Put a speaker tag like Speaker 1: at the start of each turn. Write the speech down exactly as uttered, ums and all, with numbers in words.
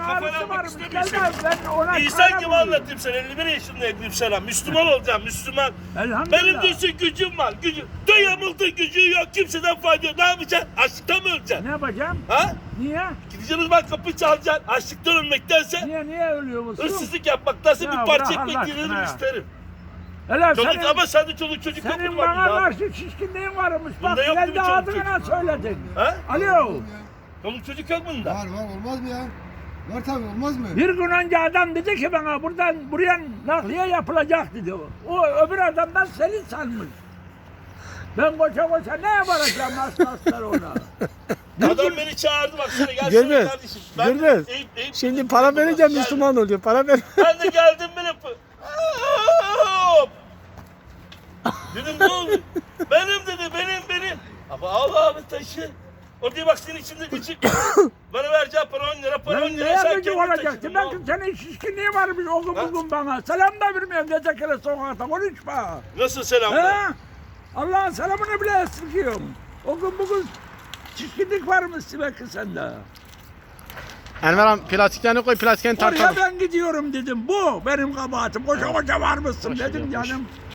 Speaker 1: Kafana
Speaker 2: ağrısı
Speaker 1: almak
Speaker 2: varmış.
Speaker 1: istemiyorum
Speaker 2: Gelmez ben ona
Speaker 1: İnsan
Speaker 2: çare
Speaker 1: gibi
Speaker 2: buluyorum.
Speaker 1: anlatayım sana. elli bir yaşındayım sana. Müslüman olacağım, Müslüman.
Speaker 2: Elhamdülillah.
Speaker 1: Benim diyorsun gücüm var. Gücüm. Dayamıldın gücü yok. Kimseden fayda yok. Ne yapacaksın? Açlıktan mı öleceksin?
Speaker 2: Ne yapacağım?
Speaker 1: Ha?
Speaker 2: Niye?
Speaker 1: Gideceğiniz bak kapı çalacaksın. Açlıktan ölmektense,
Speaker 2: Niye niye ölüyor musun?
Speaker 1: hırsızlık yapmaktansa
Speaker 2: Ya
Speaker 1: bir
Speaker 2: bırak
Speaker 1: parça
Speaker 2: Allah
Speaker 1: ekmek
Speaker 2: aşkına
Speaker 1: yerini
Speaker 2: ya.
Speaker 1: isterim.
Speaker 2: Hele
Speaker 1: Çoluk,
Speaker 2: senin,
Speaker 1: ama sende çoluk çocuk yok
Speaker 2: senin
Speaker 1: mu?
Speaker 2: bana karşı şişkinliğin varmış. Bak
Speaker 1: Bunda yok değil mi
Speaker 2: kendi
Speaker 1: çoluk
Speaker 2: adına
Speaker 1: çocuk?
Speaker 2: söyledin.
Speaker 1: Ha?
Speaker 2: Alo.
Speaker 1: Çoluk çocuk yok bunda.
Speaker 3: Var var olmaz mı ya? Var tabii olmaz mı?
Speaker 2: Bir gün önce adam dedi ki bana buradan buraya nakliye yapılacak dedi o. O öbür adamdan seni sanmış. Ben koşa koşa ne yapacağım aslanlar ona?
Speaker 1: Adam beni çağırdı bak sana gelsene
Speaker 4: Gürbüz,
Speaker 1: kardeşim. Ben de
Speaker 4: Gürbüz.
Speaker 1: eğip- eğip-
Speaker 4: Şimdi para vereceğim
Speaker 1: Geldim.
Speaker 4: Müslüman oluyor. Para ver.
Speaker 1: Ben de geldim bile. Hop! Dedim ne oldu? Benim dedi benim benim. Ama al abi taşı. Orada bak senin içinde içi. Bana vereceğim para on lira para on
Speaker 2: Ben
Speaker 1: lira.
Speaker 2: neye
Speaker 1: Sen
Speaker 2: gücü
Speaker 1: kendin
Speaker 2: olacaktı?
Speaker 1: taşıdın. ne
Speaker 2: Belki
Speaker 1: oldu?
Speaker 2: senin şişkinliği varmış o gün
Speaker 1: Ha?
Speaker 2: bugün bana. Selam da vermiyorum gece kere sokakta konuşma.
Speaker 1: Nasıl selam?
Speaker 2: He? Allah'ın selamını bile esirgiyorum. O gün bugün şişkinlik varmış belki sende.
Speaker 4: Enver abi plastiklerini koy, plastiklerini
Speaker 2: Oraya
Speaker 4: tartalım.
Speaker 2: ben gidiyorum dedim. Bu benim kabahatim. Koşa koşa var mısın
Speaker 4: Boş
Speaker 2: dedim
Speaker 4: ver, boş.
Speaker 2: canım.